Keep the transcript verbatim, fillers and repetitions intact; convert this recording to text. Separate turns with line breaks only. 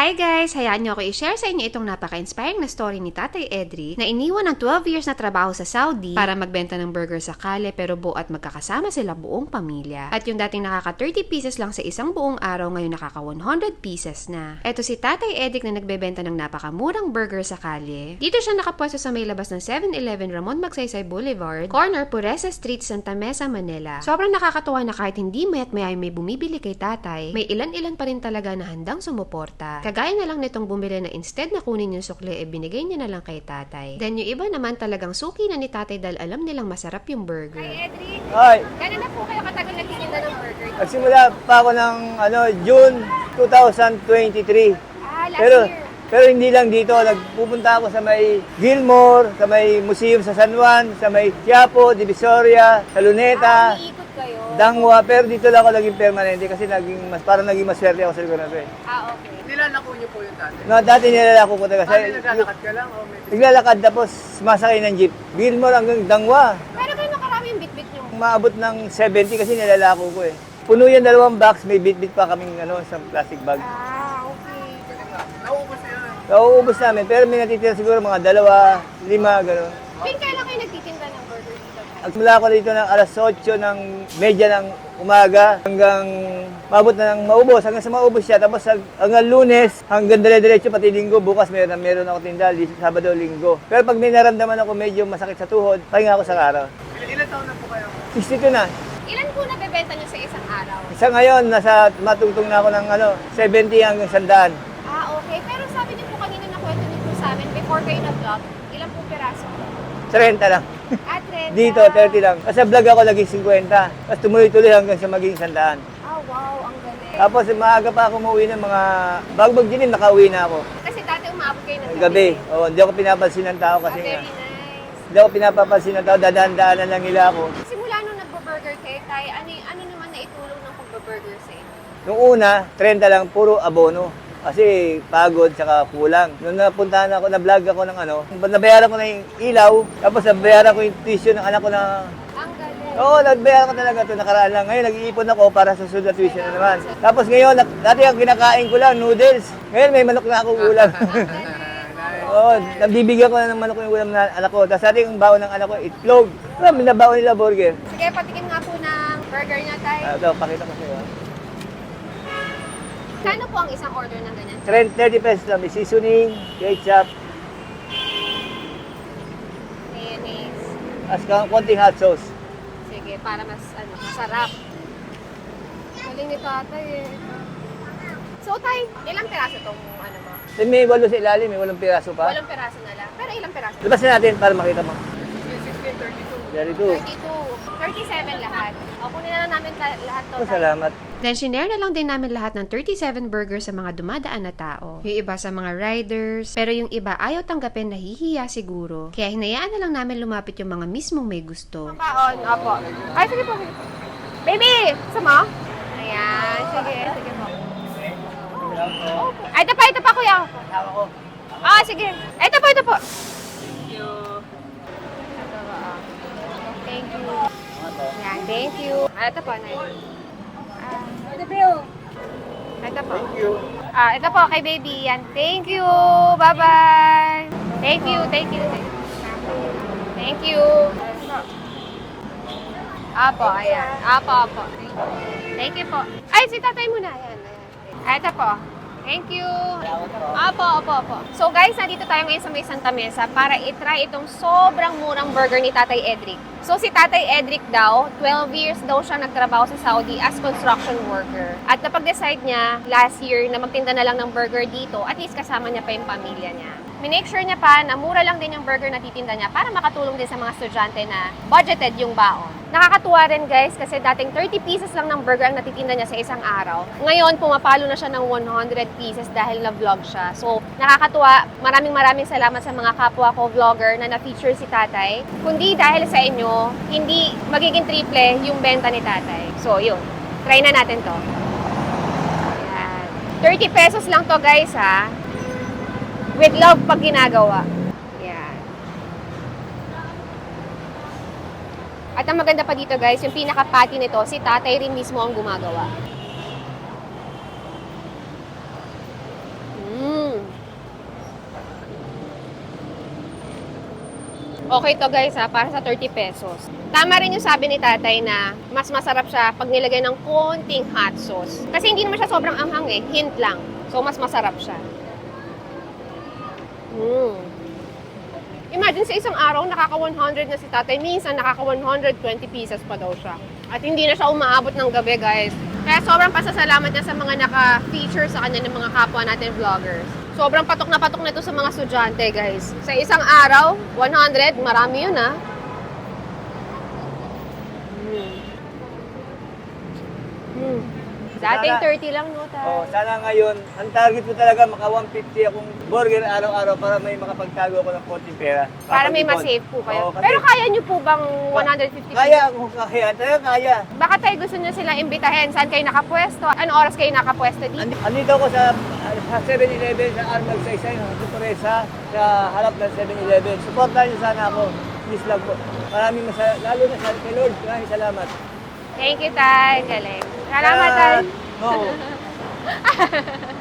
Hi guys! Hayaan niyo ako i-share sa inyo itong napaka-inspiring na story ni Tatay Edric na iniwan ng twelve years na trabaho sa Saudi para magbenta ng burger sa Kale pero buo at magkakasama sila buong pamilya. At yung dating nakaka thirty pieces lang sa isang buong araw ngayon nakaka one hundred pieces na. Eto si Tatay Edric na nagbebenta ng napakamurang burger sa Kale. Dito siya nakapwesto sa may labas ng seven eleven Ramon Magsaysay Boulevard, corner Puresa Street, Santa Mesa, Manila. Sobrang nakakatuwa na kahit hindi mayat mayay may bumibili kay Tatay, may ilan-ilan pa rin talaga na handang sumuporta. Kagaya na lang nitong bumili na instead na kunin yung sukle, e binigay niya na lang kay Tatay. Then yung iba naman talagang suki na ni Tatay dahil alam nilang masarap yung burger.
Hi, Edric.
Hi.
Gano'n na po kayo katagal nagtitinda ng burger?
Nagsimula pa ako ng ano, June twenty twenty-three.
Ah, last
Pero
year.
pero hindi lang dito, nagpupunta ako sa may Gilmore, sa may museum sa San Juan, sa may Quiapo, Divisoria, sa Luneta,
Ah, umiikot kayo.
Dangwa, pero dito lang ako naging permanente kasi naging mas parang naging maswerte ako sa lugar na to eh.
Ah, okay.
Nilalako niyo po yung dati?
No, dati nilalako ko talaga.
Ah, naglalakad ka lang? O may...
Naglalakad tapos sumasakay ng jeep. Gilmore hanggang Dangwa.
Pero gano'n karami yung bit-bit nyo?
Maabot ng seventy kasi nilalako ko eh. Puno yan dalawang box, may bit-bit pa kaming ano, sa plastic bag.
Ah, okay.
Nauubos na yun.
Nauubos namin, pero may natitira siguro mga dalawa, lima, gano'n.
Pin, kailan kayo nagtitinda ng burger dito?
Nagsimula ako dito ng alas eight ng medya ng umaga hanggang maabot na ng maubos, hanggang sa maubos siya. Tapos hanggang Lunes, hanggang dire-diretso pati Linggo. Bukas meron, meron ako tinda, Sabado, Linggo. Pero pag may naramdaman ako medyo masakit sa tuhod, pahinga ako sa araw.
Ilan, ilan taon na po kayo?
sixty-two na.
Ilan po nabebenta nyo sa isang araw?
Sa ngayon, nasa matungtong na ako ng ano, seventy hanggang one hundred.
Ah, okay. Pero sabi niyo po kanina na kwento niyo po sa amin, before kayo nag-vlog, ilan po piraso?
thirty lang.
Ah, trenta.
Dito, thirty lang. Kasi sa vlog ako naging fifty. Tapos tumuloy-tuloy hanggang sa maging one hundred.
Ah, wow. Ang galing.
Tapos maaga pa ako umuwi ng mga bago magdilim, nakauwi na ako.
Kasi dati umaabot kayo ng
Ng gabi. Oo, hindi ako pinapansin ng tao
Ah,
kasi
very
nga.
nice.
Hindi ako pinapapansin ng tao, dadaan-daanan lang nila ako.
Simula nung nagbo-burger kayo, tay, ano, ano naman na itulong ng pagbo-burger sa inyo?
Nung una, thirty lang, puro abono. Kasi pagod, saka kulang. Nung napuntahan ako, na-vlog ako ng ano, nabayaran ko na yung ilaw, tapos nabayaran ko yung tuition ng anak ko na...
Ang galing.
Oo, nabayaran ko talaga ito, nakaraan lang. Ngayon, nag-iipon ako para sa susunod na tuition na naman. Tapos ngayon, na- dati ang kinakain ko lang, noodles. Ngayon, may manok na akong ulam. Oo, nabibigyan ko na ng manok yung ulam na anak ko. Tapos dati yung baon ng anak ko, itlog. Alam, binabaon nila burger.
Sige, patikin nga po ng burger niya, tay.
Ah, ito, pakita ko sa'yo.
Kano po ang isang order ng ganyan?
thirty pesos lang, may seasoning, ketchup,
Mayonnaise.
as konting hot sauce.
Sige, para mas ano, masarap. Galing ni tatay eh. So, tay, ilang piraso tong ano mo?
May walo sa ilalim, may walong piraso pa.
Walang piraso na lang. Pero ilang piraso?
Labasin natin para makita mo.
sixteen, thirty-two.
thirty-two.
thirty-two. thirty-seven lahat. O, kunin na lang namin ta- lahat to.
Oh,
tay.
salamat.
Then, shinare na lang din namin lahat ng thirty-seven burgers sa mga dumadaan na tao. Yung iba sa mga riders, pero yung iba ayaw tanggapin, nahihiya siguro. Kaya hinayaan na lang namin lumapit yung mga mismong may gusto.
Kaon, opo. Ay, sige po. sige po. Baby! Sama? Ayan, sige, sige po. Opo. Ay, ito pa, ito pa, kuya.
Tawa ko.
Ah, sige. Ito po, ito po.
Thank you.
Ito po, ah. Thank you. Ayan, thank you. Ah, ito po, Nay. Ah, ito po. Ito po.
Thank you.
Ah, ito po, kay baby. Yan. Thank you. Bye-bye. Thank you, thank you. Thank you. Apo, ayan. Apo, apo. Thank you po. Ay, si tatay muna. Ayan, ayan. Ah, ito po. Thank you. Apo, apo, apo. So guys, nandito tayo ngayon sa may Santa Mesa para itry itong sobrang murang burger ni Tatay Edric. So si Tatay Edric daw, twelve years daw siya nagtrabaho sa Saudi as construction worker. At napag-decide niya last year na magtinda na lang ng burger dito, at least kasama niya pa yung pamilya niya. Minake sure niya pa na mura lang din yung burger na titinda niya para makatulong din sa mga estudyante na budgeted yung baon. Nakakatuwa rin guys kasi dating thirty pieces lang ng burger ang natitinda niya sa isang araw. Ngayon, pumapalo na siya ng one hundred pieces dahil na-vlog siya. So, nakakatuwa. Maraming maraming salamat sa mga kapwa ko vlogger na na-feature si Tatay. Kundi dahil sa inyo, hindi magiging triple yung benta ni Tatay. So, yun. Try na natin to. Ayan. thirty pesos lang to guys ha. With love pag ginagawa. Yan. At ang maganda pa dito guys, yung pinaka-patty nito, si tatay rin mismo ang gumagawa. Mm. Okay to guys ha, para sa thirty pesos. Tama rin yung sabi ni tatay na mas masarap siya pag nilagay ng konting hot sauce. Kasi hindi naman siya sobrang anghang eh, hint lang. So mas masarap siya. Mm. Imagine sa isang araw, nakaka one hundred na si tatay. Minsan, nakaka one hundred twenty pieces pa daw siya. At hindi na siya umaabot ng gabi, guys. Kaya sobrang pasasalamat niya sa mga naka-feature sa kanya ng mga kapwa natin vloggers. Sobrang patok na patok na ito sa mga estudyante, guys. Sa isang araw, one hundred, marami yun, ah. Mm. Mm. Dating
Sana-
thirty lang, no, tay?
Oh, sana ngayon, ang target ko talaga maka one fifty akong burger araw-araw para may makapagtago ako ng konting pera.
Para may
Kapag-ipon.
masave po kayo.
Oo, kasi-
Pero kaya nyo po bang one hundred fifty
Kaya ako, kaya. Talaga kaya.
Baka tayo gusto nyo sila imbitahin. Saan kayo nakapwesto? Anong oras kayo nakapwesto dito?
Andi- Andito ako sa, sa seven eleven sa Armag Saysay, sa Sorpresa, sa harap ng seven eleven. Supportahan niyo sana ako. Please lang po. Maraming masaya, lalo na sa kay Lord. Maraming salamat.
Thank you, Tay. Galing. Salamat, Tay.
Oo.